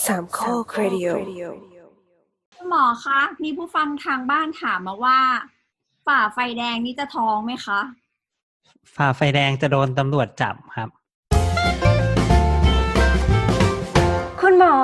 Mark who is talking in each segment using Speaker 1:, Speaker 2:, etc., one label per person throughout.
Speaker 1: สามข้อครดิโอ
Speaker 2: คุณหมอคะมีผู้ฟังทางบ้านถามมาว่าฝ่าไฟแดงนี่จะท้องไหมคะ
Speaker 3: ฝ่าไฟแดงจะโดนตำรวจจับครับ
Speaker 1: คุณหมอก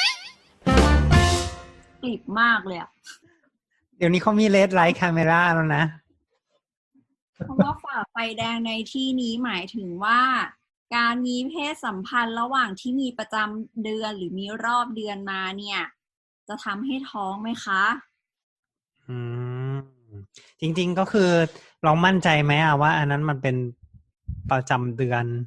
Speaker 2: ลิบมากเลยอะ
Speaker 3: เดี๋ยวนี้เขามีเลดไลท์คาเมราแล้วนะ
Speaker 2: เพราะว่าฝ่าไฟแดงในที่นี้หมายถึงว่าการมีเพศสัมพันธ์ระหว่างที่มีประจำเดือนหรือมีรอบเดือนมาเนี่ยจะทำให้ท้องไหมคะ
Speaker 3: อืมจริงๆก็คือลองมั่นใจไหมว่าอันนั้นมันเป็นประจำเดือน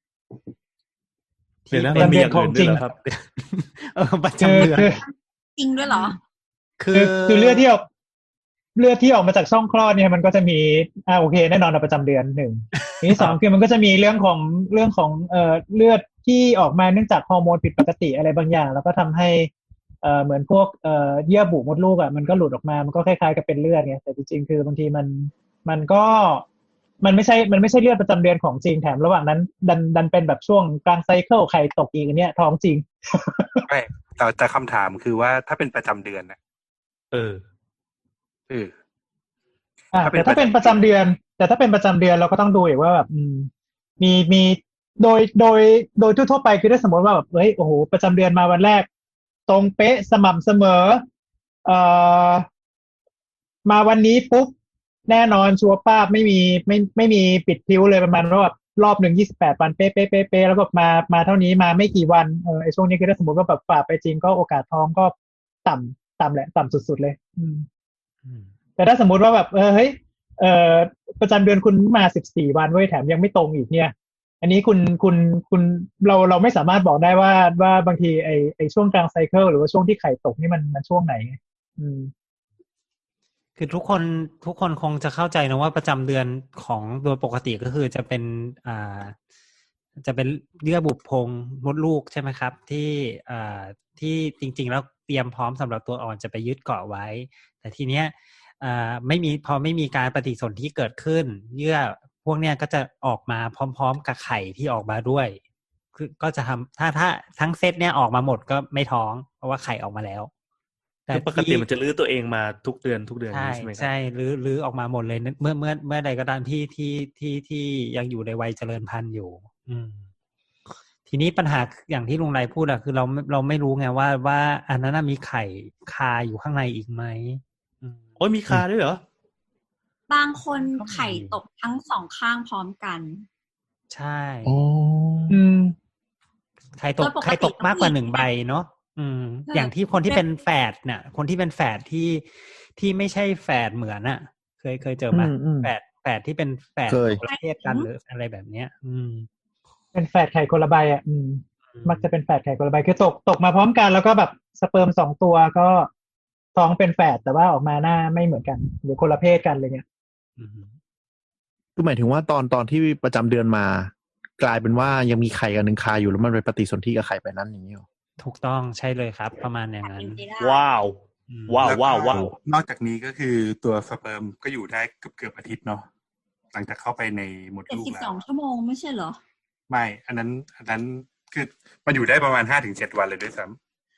Speaker 4: ที่เป็นเดือนของจริงครับ
Speaker 3: ประจำเดือน
Speaker 2: จริงด้วยเหรอ
Speaker 4: คือเลือดที่ออกมาจากช่องคลอดเนี่ยมันก็จะมีโอเคแน่นอนประจำเดือนหนึ่งที่สองคือมันก็จะมีเรื่องของเลือดที่ออกมาเนื่องจากฮอร์โมนผิดปกติอะไรบางอย่างแล้วก็ทำให้เหมือนพวกเยื่อบุมดลูกมันก็หลุดออกมามันก็คล้ายๆกับเป็นเลือดไงแต่จริงๆคือบางทีมันไม่ใช่เลือดประจำเดือนของจริงแถมระหว่างนั้นดันเป็นแบบช่วงกลางไซเคิลไข่ตกอีกอันเนี้ยท้องจริง
Speaker 5: ไม่แต่คำถามคือว่าถ้าเป็นประจำเดือนนะ
Speaker 4: แต่ถ้าเป็นประจำเดือนเราก็ต้องดูอีกว่าแบบมีโดยทั่วไปคือถ้าสมมติว่าแบบโอ้โหประจำเดือนมาวันแรกตรงเป๊ะสม่ำเสมอมาวันนี้ปุ๊บแน่นอนชัวร์ป้าบไม่มีปิดพลิ้วเลยประมาณว่าแบบรอบหนึ่ง28 วันเป๊ะแล้วก็มาเท่านี้มาไม่กี่วันไอ้ช่วงนี้คือถ้าสมมติว่าแบบฝ่าไปจริงก็โอกาสท้องก็ต่ำแหละต่ำสุดๆเลยแต่ถ้าสมมุติว่าแบบประจำเดือนคุณมา14 วันเว้ยแถมยังไม่ตรงอีกเนี่ยอันนี้คุณเราไม่สามารถบอกได้ว่าบางทีไอช่วงกลางไซเคิลหรือว่าช่วงที่ไข่ตกนี่มันช่วงไหน
Speaker 3: คือทุกคนคงจะเข้าใจนะว่าประจำเดือนของโดยปกติก็คือจะเป็นเยื่อบุโพรงมดลูกใช่ไหมครับที่จริงๆแล้วเตรียมพร้อมสำหรับตัวอ่อนจะไปยึดเกาะไว้แต่ทีเนี้ยพอไม่มีการปฏิสนธิเกิดขึ้นเยื่อพวกเนี้ยก็จะออกมาพร้อมๆกับไข่ที่ออกมาด้วยคือก็จะทำถ้าทั้งเซตเนี้ยออกมาหมดก็ไม่ท้องเพราะว่าไข่ออกมาแล้ว
Speaker 6: แต่ปกติมันจะลื้อตัวเองมาทุกเดือนใช่
Speaker 3: ไหมครับใช่ลื้อออกมาหมดเลยเมื่อใดก็ตามที่ยังอยู่ในวัยเจริญพันธุ์อยู่ทีนี้ปัญหาอย่างที่ลุงไรพูดคือเราไม่รู้ไงว่าอันนั้นมีไข่คาอยู่ข้างในอีกไหม
Speaker 6: โอ้ยมีคาด้วยเหร
Speaker 2: อบางคนไข่ตกทั้งสองข้างพร้อมกัน
Speaker 3: ใช่ไข่ตกมากกว่า1 ใบเนาะอย่างที่คนที่เป็นแฝดเนี่ยคนที่เป็นแฝดที่ไม่ใช่แฝดเหมือนเคยเจอไหมแฝดที่เป็นแฝดประเภทกันหรืออะไรแบบเนี้ย
Speaker 4: เป็นแฝดไข่คนละใบมักจะเป็นแฝดไข่คนละใบคือตกมาพร้อมกันแล้วก็แบบสเปิร์ม2 ตัวก็ท้องเป็นแฝดแต่ว่าออกมาหน้าไม่เหมือนกันหรือคนละเพศกันอะไรเงี้ย
Speaker 7: คือหมายถึงว่าตอนที่ประจำเดือนมากลายเป็นว่ายังมีไข่กันหนึ่งคาอยู่แล้วมันไปปฏิสนธิกับไข่ไปนั้นอย่างนี้หรอ
Speaker 3: ถูกต้องใช่เลยครับประมาณอย่างนั้น
Speaker 6: ว้าวน
Speaker 5: อกจากนี้ก็คือตัวสเปิร์มก็อยู่ได้เกือบอาทิตย์เนาะหลังจากเข้าไปในมดลูกแล้ว
Speaker 2: 72 ชั่วโมงไม่ใช่เหรอ
Speaker 5: ไม่อันนั้นคือมันอยู่ได้ประมาณ 5-7 วันเลยด้วยซ้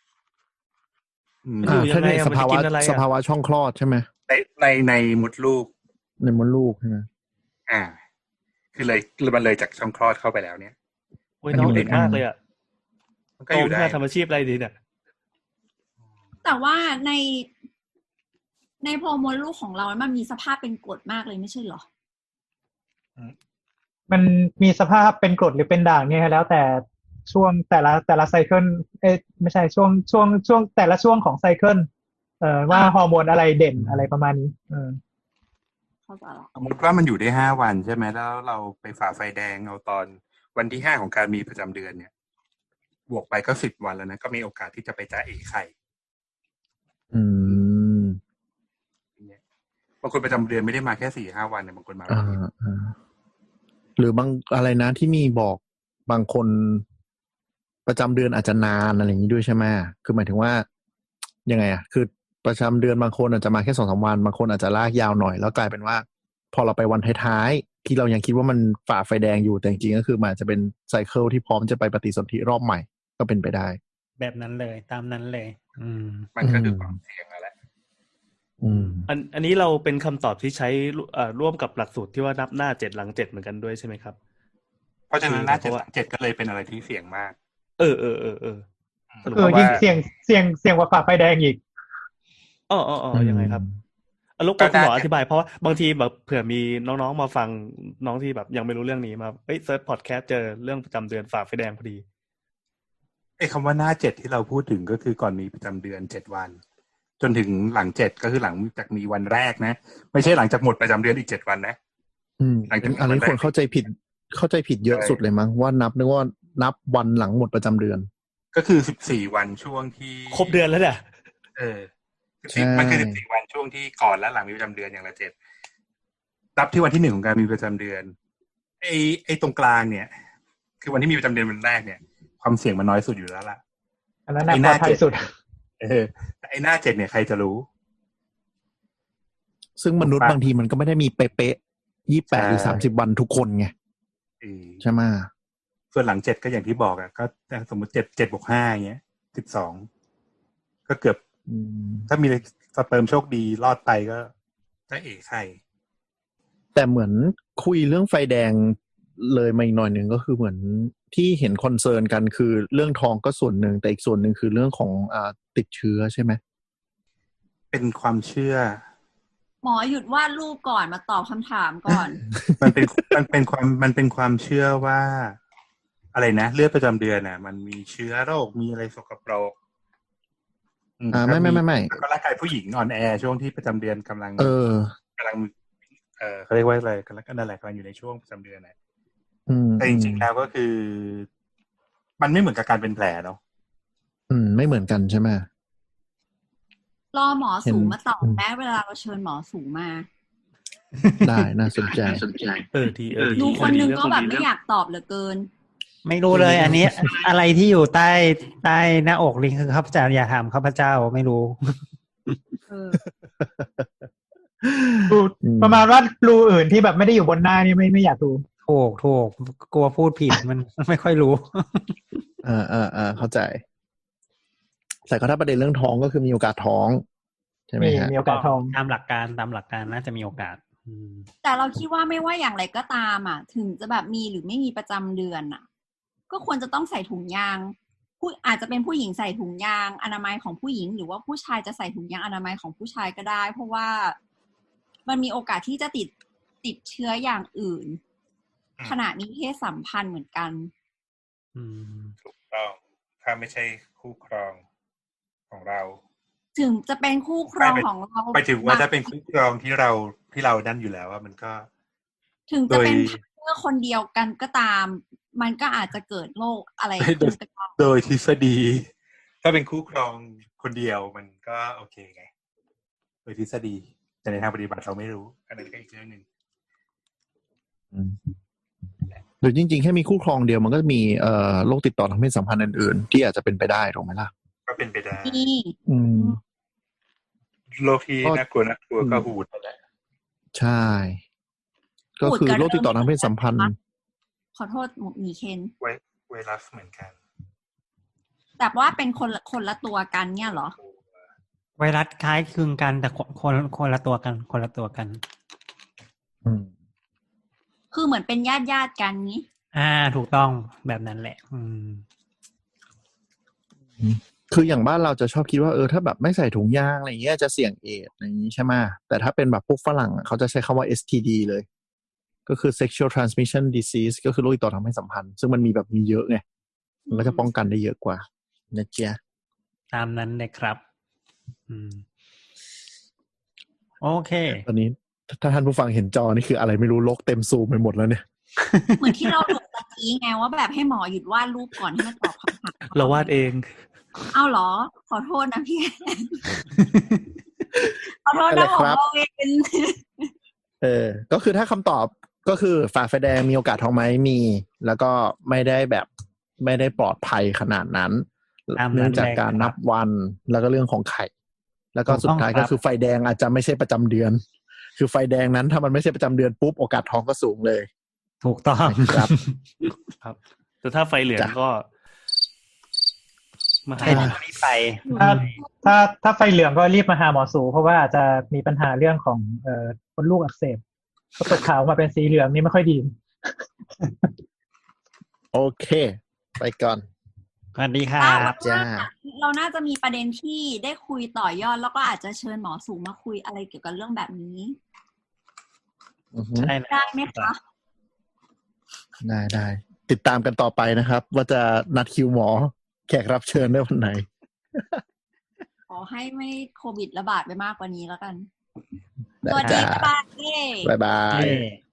Speaker 7: ำถ้าในสภาวะช่องคลอดใช่ไหม
Speaker 5: ในมดลูก
Speaker 7: ใช่ไหม
Speaker 5: คือมันเลยจากช่องคลอดเข้าไปแล้วเนี่ย
Speaker 6: โอ้ยน้องเด็กมากเลยมันก็อยู่ได้ทำอาชีพอะไรดีเนี่ย
Speaker 2: แต่ว่าในโพรงมดลูกของเรามันมีสภาพเป็นกรดมากเลยไม่ใช่เหรอ
Speaker 4: มันมีสภาพเป็นกรดหรือเป็นด่างเนี่ยแล้วแต่ช่วงแต่ละไซเคิลไม่ใช่ช่วงแต่ละช่วงของไซเคิลว่าฮอร์โมนอะไรเด่นอะไรประมาณนี้
Speaker 5: สมมติว่ามันอยู่ได้5 วันใช่ไหมแล้วเราไปฝ่าไฟแดงเอาตอนวันที่5ของการมีประจำเดือนเนี่ยบวกไปก็10 วันแล้วนะก็มีโอกาสที่จะไปจ่าเอไข่บางคนประจำเดือนไม่ได้มาแค่ 4-5 วันเนี่ยบางคนมา
Speaker 7: หรือบางอะไรนะที่มีบอกบางคนประจำเดือนอาจจะนานอะไรอย่างนี้ด้วยใช่ไหมคือหมายถึงว่ายังไงคือประจำเดือนบางคนอาจจะมาแค่ 2-3 วันบางคนอาจจะลากยาวหน่อยแล้วกลายเป็นว่าพอเราไปวันท้ายๆที่เรายังคิดว่ามันฝ่าไฟแดงอยู่แต่จริงๆก็คือมันจะเป็นไซเคิลที่พร้อมจะไปปฏิสนธิรอบใหม่ก็เป็นไปได้
Speaker 3: แบบนั้นเลยตามนั้นเลย
Speaker 5: มันก็คือความเสี่ยงนั่นแหละ
Speaker 6: อันนี้เราเป็นคำตอบที่ใช้ร่วมกับหลักสูตรที่ว่านับหน้า7หลัง7เหมือนกันด้วยใช่ไหมครับ
Speaker 5: เพราะฉะนั้นหน้า7หลัง7ก็เลยเป็นอะไรที่เสี่ยงมาก
Speaker 4: ยิ่งเสี่ยงกว่าฝ่าไฟแดงอีก
Speaker 6: ยังไงครับลูกคุณหมออธิบายเพราะว่าบางทีแบบเผื่อมีน้องๆมาฟังน้องที่แบบยังไม่รู้เรื่องนี้มาเซิร์ชพอดแคสต์เจอเรื่องประจำเดือนฝ่าไฟแดงพอดี
Speaker 5: คำว่าหน้า7ที่เราพูดถึงก็คือก่อนมีประจำเดือน7วันจนถึงหลัง7ก็คือหลังจากมีวันแรกนะไม่ใช่หลังจากหมดประจำเดือนอีก7วันนะ
Speaker 7: หลังจากอันนี้คนเข้าใจผิดเยอะสุดเลยมั้งว่านึกว่านับวันหลังหมดประจำเดือน
Speaker 5: ก็คือ14วันช่วงที่
Speaker 6: ครบเดือนแล้วเนี่ย
Speaker 5: มันคือ14วันช่วงที่ก่อนและหลังมีประจำเดือนอย่างละ7นับที่วันที่1ของการมีประจำเดือนไอ้ตรงกลางเนี่ยคือวันที่มีประจำเดือนวันแรกเนี่ยความเสี่ยงมันน้อยสุดอยู่แล้วล่ะ
Speaker 4: อันนั้นน่าปลอดภัยสุด
Speaker 5: แต่ไอ้หน้า7เนี่ยใครจะรู้
Speaker 7: ซึ่งมนุษย์บางทีมันก็ไม่ได้มีเป๊ะๆ28หรือ30วันทุกคนไงใช่ไหม
Speaker 5: ส่วนหลัง7ก็อย่างที่บอกอ่ะก็สมมุติ7+5อย่างเงี้ย12ก็เกือบถ้ามีสเปิร์มโชคดีรอดไปก็จะไข่
Speaker 7: แต่เหมือนคุยเรื่องไฟแดงเลยมาอีกหน่อยหนึ่งก็คือเหมือนที่เห็นคอนเซิร์นกันคือเรื่องท้องก็ส่วนหนึ่งแต่อีกส่วนหนึ่งคือเรื่องของติดเชื้อใช่ไหม
Speaker 5: เป็นความเชื่อ
Speaker 2: หมอหยุดวาดรูปก่อนมาตอบคำถามก่อน
Speaker 5: มันเป็นความเชื่อว่าอะไรนะเลือดประจำเดือนน่ะมันมีเชื้อโรคมีอะไรสกปรก
Speaker 7: ไม่
Speaker 5: ก็ร่างกายผู้หญิงอ่อนแอช่วงที่ประจำเดือนกำลังเขาเรียกว่าอะไรกันแล้วก็นั่นแหละกำลังอยู่ในช่วงประจำเดือนน่ะแต่จริงๆแล้วก็คือมันไม่เหมือนกับการเป็นแผลเนาะ
Speaker 7: ไม่เหมือนกันใช่ไหม
Speaker 2: รอหมอสูงมาตอบแม้เวลาเราเชิญหมอสูงมา
Speaker 7: ได้น่าสนใจ
Speaker 2: ดูคนนึงก็แบบไม่อยากตอบเหลือเกิน
Speaker 3: ไม่รู้เลยอันนี้อะไรที่อยู่ใต้หน้าอกลิงคือข้าพเจ้าอย่าถามข้าพเจ้าไม่รู้
Speaker 4: ประมาณว่ารูอื่นที่แบบไม่ได้อยู่บนหน้านี่ไม่อยากดู
Speaker 3: ถูกกลัวพูดผิดมันไม่ค่อยรู้
Speaker 7: เข้าใจแต่ก็ถ้าประเด็นเรื่องท้องก็คือมีโอกาสท้องใช่ไหมฮะ
Speaker 4: มีโอกาสท้อง
Speaker 3: ตามหลักการน่าจะมีโอกาส
Speaker 2: แต่เราคิดว่าไม่ว่าอย่างไรก็ตามถึงจะแบบมีหรือไม่มีประจำเดือนก็ควรจะต้องใส่ถุงยางอาจจะเป็นผู้หญิงใส่ถุงยางอนามัยของผู้หญิงหรือว่าผู้ชายจะใส่ถุงยางอนามัยของผู้ชายก็ได้เพราะว่ามันมีโอกาสที่จะติดเชื้ออย่างอื่นขณะมีเพศสัมพันธ์เหมือนกัน
Speaker 5: ถูกต้องถ้าไม่ใช่คู่ครองของเรา
Speaker 2: ถึงจะเป็นคู่ครองของเรา
Speaker 5: ไปถึงว่าถ้าเป็นคู่ครองที่เรานั่นอยู่แล้วว่ามันก็
Speaker 2: ถึงจะเป็นเพื่อคนเดียวกันก็ตามมันก็อาจจะเกิดโรคอะไรขึ้น
Speaker 5: โดยทฤษฎีถ้าเป็นคู่ครองคนเดียวมันก็โอเคไงโดยทฤษฎีแต่ในทางปฏิบัติเราไม่รู้อันนั้นก็อีกเรื่องนึง
Speaker 7: โดยจริงๆแค่มีคู่ครองเดียวมันก็มีโรคติดต่อทางเพศสัมพันธ์อื่นๆที่อาจจะเป็นไปได้ถูกไหมล่ะ
Speaker 5: ก็เป็นไปได้โรคที่น่ากลัวก็หูดนั่นแหละ
Speaker 7: ใช่ก็คือโรคติดต่อทางเพศสัมพันธ์
Speaker 2: ขอโทษหมีเคน
Speaker 5: ไวรัสเหมือนกัน
Speaker 2: แต่ว่าเป็นคนละตัวกันเนี่ยเหรอ
Speaker 3: ไวรัสคล้ายคลึงกันแต่คนละตัวกัน
Speaker 2: คือเหมือนเป็นญาติกันนี้
Speaker 3: ถูกต้องแบบนั้นแหละ
Speaker 7: คืออย่างบ้านเราจะชอบคิดว่าถ้าแบบไม่ใส่ถุงยางอะไรเงี้ยจะเสี่ยงเอดส์อะไรอย่างนี้ใช่ไหมแต่ถ้าเป็นแบบพวกฝรั่งเขาจะใช้คำว่า STD เลยก็คือ sexual transmission disease ก็คือโรคติดต่อทางเพศสัมพันธ์ซึ่งมันมีเยอะไงมันก็จะป้องกันได้เยอะกว่านะเจ๊ะ
Speaker 3: ตามนั้นเลยครับโอเค
Speaker 7: ตอนนี้ถ้าท่านผู้ฟังเห็นจอนี่คืออะไรไม่รู้โลกเต็มซูมไปหมดแล้วเนี่ย
Speaker 2: เหมือนที่เราดูตะกี้ไงว่าแบบให้หมอหยุดวาดรูปก่อนที่จะตอบคำถาม
Speaker 6: เราวาดเอง
Speaker 2: เอาเหรอขอโทษนะพี่ขอโทษนะผมเราเอง
Speaker 7: ก็คือถ้าคำตอบก็คือฝ่าไฟแดงมีโอกาสท้องไหมมีแล้วก็ไม่ได้ปลอดภัยขนาดนั้นเนื่องจากการนับวันแล้วก็เรื่องของไข่แล้วก็สุดท้ายก็คือไฟแดงอาจจะไม่ใช่ประจำเดือนคือไฟแดงนั้นถ้ามันไม่ใช่ประจำเดือนปุ๊บโอกาสท้องก็สูงเลย
Speaker 3: ถูกต้อง
Speaker 7: ครับ
Speaker 6: ครับแต่ถ้าไฟเหลืองก็มา
Speaker 3: ใช่
Speaker 6: หา
Speaker 3: ต้องรีบไป
Speaker 4: ถ้าไฟเหลืองก็รีบมาหาหมอสูเพราะว่าอาจจะมีปัญหาเรื่องของมดลูกอักเสบก็ตกขาวมาเป็นสีเหลืองนี่ไม่ค่อยดี
Speaker 7: โอเค ไปก่อน
Speaker 3: สวัสดีครับ
Speaker 7: จ้า
Speaker 2: เราน่าจะมีประเด็นที่ได้คุยต่อยอดแล้วก็อาจจะเชิญหมอสูมาคุยอะไรเกี่ยวกับเรื่องแบบนี้
Speaker 7: อือฮึ
Speaker 3: ใช่เลย
Speaker 2: ได้ไหมคะ
Speaker 7: ได้ติดตามกันต่อไปนะครับ ว่าจะนัดคิวหมอแขกรับเชิญได้วันไหน
Speaker 2: ขอให้ไม่โควิดระบาดไปมากกว่านี้แล้วกัน
Speaker 7: ได้
Speaker 2: สวัสดี
Speaker 7: จ้า
Speaker 2: ค่ะ
Speaker 7: บ๊ายบาย
Speaker 3: เย้